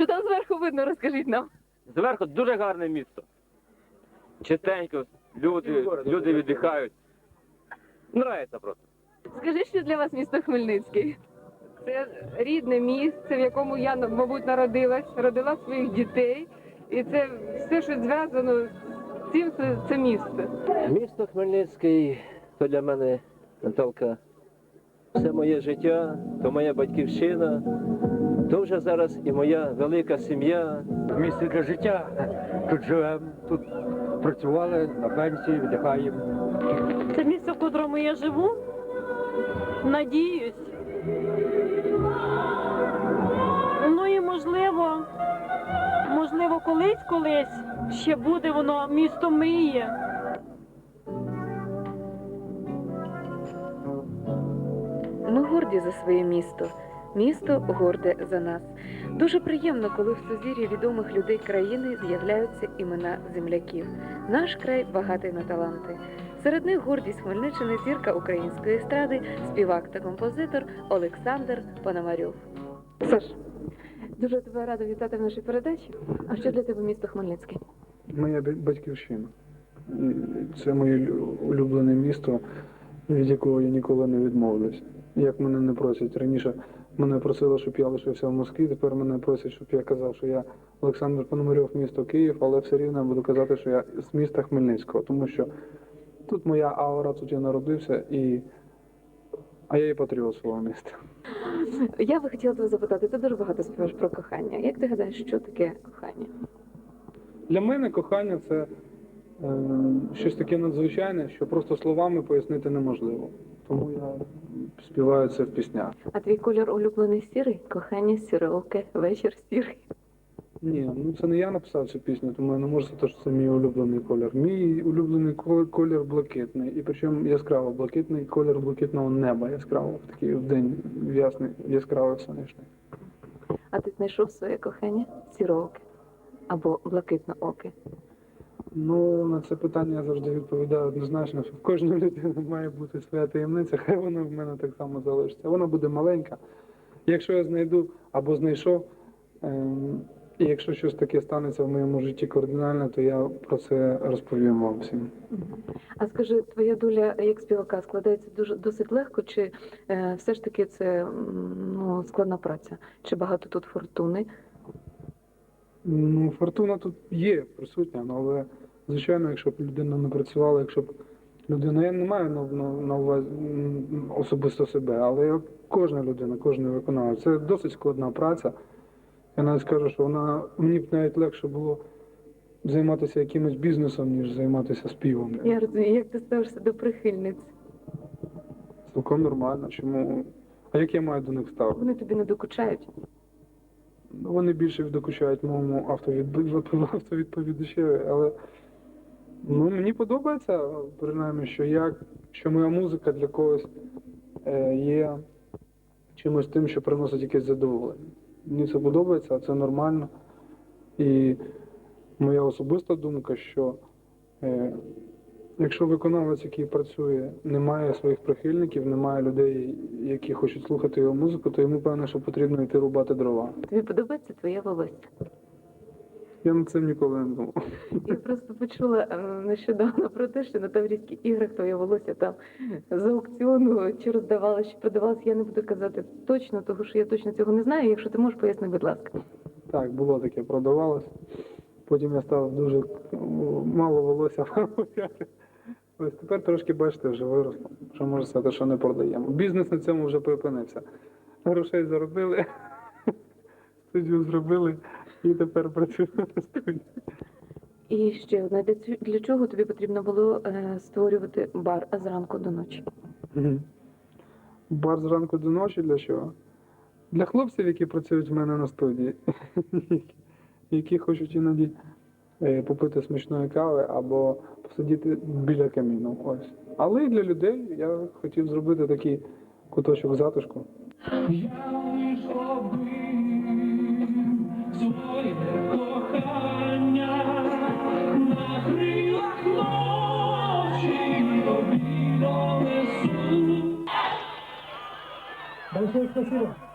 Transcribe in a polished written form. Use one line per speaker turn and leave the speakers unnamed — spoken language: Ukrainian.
Що там зверху видно, розкажіть нам.
Зверху дуже гарне місто. Чистенько, люди віддихають. Нравиться просто.
Скажи, що для вас місто Хмельницький? Це рідне місце, в якому я, мабуть, народилась, родила своїх дітей. І це все, що зв'язано з цим, це місце.
Місто Хмельницький то для мене, Наталка, все моє життя, то моя батьківщина, то вже зараз і моя велика сім'я.
Місце для життя. Тут живемо, тут працювали, на пенсії, віддихаємо.
Це місце, в котрому я живу. Надіюсь. Ну і можливо, колись ще буде воно місто мрії.
Ми горді за своє місто. Місто горде за нас. Дуже приємно, коли в сузір'ї відомих людей країни з'являються імена земляків. Наш край багатий на таланти. Серед них гордість Хмельниччини, зірка української естради, співак та композитор Олександр Пономарьов. Саш, дуже тебе рада вітати в нашій передачі. А що для тебе місто Хмельницький?
Моя батьківщина. Це моє улюблене місто, від якого я ніколи не відмовлюсь. Як мене не просять. Раніше мене просили, щоб я лишився в Москві, тепер мене просять, щоб я казав, що я Олександр Пономарьов, місто Київ, але все рівно я буду казати, що я з міста Хмельницького, тому що тут моя аура, тут я народився, а я і патріот свого міста.
Я би хотіла тебе запитати, ти дуже багато співаєш про кохання. Як ти гадаєш, що таке кохання?
Для мене кохання – це щось таке надзвичайне, що просто словами пояснити неможливо. Тому я співаю це в піснях.
А твій колір улюблений сірий? Кохання сіроке, вечір сірий.
Ні, ну це не я написав цю пісню, тому я не можу сказати, що це мій улюблений колір. Мій улюблений колір блакитний, і причому яскраво блакитний, колір блакитного неба яскраво, в такий день ясний, яскравий сонячний.
А ти знайшов своє кохання сірооке або блакитнооке?
Ну, на це питання я завжди відповідаю однозначно, що в кожної людини має бути своя таємниця, хай вона в мене так само залишиться. Вона буде маленька. Якщо я знайду або знайшов, і якщо щось таке станеться в моєму житті кардинально, то я про це розповім вам всім.
А скажи, твоя доля як співака складається досить легко, чи все ж таки це складна праця? Чи багато тут фортуни?
Ну, фортуна тут є присутня, але, звичайно, якщо б людина не працювала, якщо б людина, я не маю на увазі особисто себе, але як кожна людина, кожен виконавець, це досить складна праця. Я навіть скажу, що мені б навіть легше було займатися якимось бізнесом, ніж займатися співом.
Я розумію, як ти ставишся до прихильниць?
Цілком нормально. Чому? А як я маю до них ставити?
Вони тобі не докучають?
Вони більше докучають моєму автовідповідачеві, але мені подобається, принаймні, що моя музика для когось є чимось тим, що приносить якесь задоволення. Мені це подобається, це нормально. І моя особиста думка, що якщо виконавець, який працює, не має своїх прихильників, не має людей, які хочуть слухати його музику, то йому, певно, що потрібно йти рубати дрова.
Тобі подобається твоє волосся?
Я над цим ніколи не думав.
Я просто почула нещодавно про те, що на Таврійських іграх твоє волосся там з аукціону чи роздавалося, чи продавалося. Я не буду казати точно, тому що я точно цього не знаю. Якщо ти можеш, поясни, будь ласка.
Так, було таке, продавалось. Потім я став дуже мало волосся. Ось тепер трошки, бачите, вже виросло. Що можу сказати, що не продаємо. Бізнес на цьому вже припинився. Грошей заробили, студію зробили і тепер працюємо на студії.
І ще одне, для чого тобі потрібно було створювати бар зранку до ночі?
Бар зранку до ночі для чого? Для хлопців, які працюють в мене на студії, які хочуть іноді попити смачної кави або посидіти біля каміну. Ось. Але і для людей я хотів зробити такий куточок затишку.
Своє кохання на крилах ночі тобі донесу.
Большое спасибо.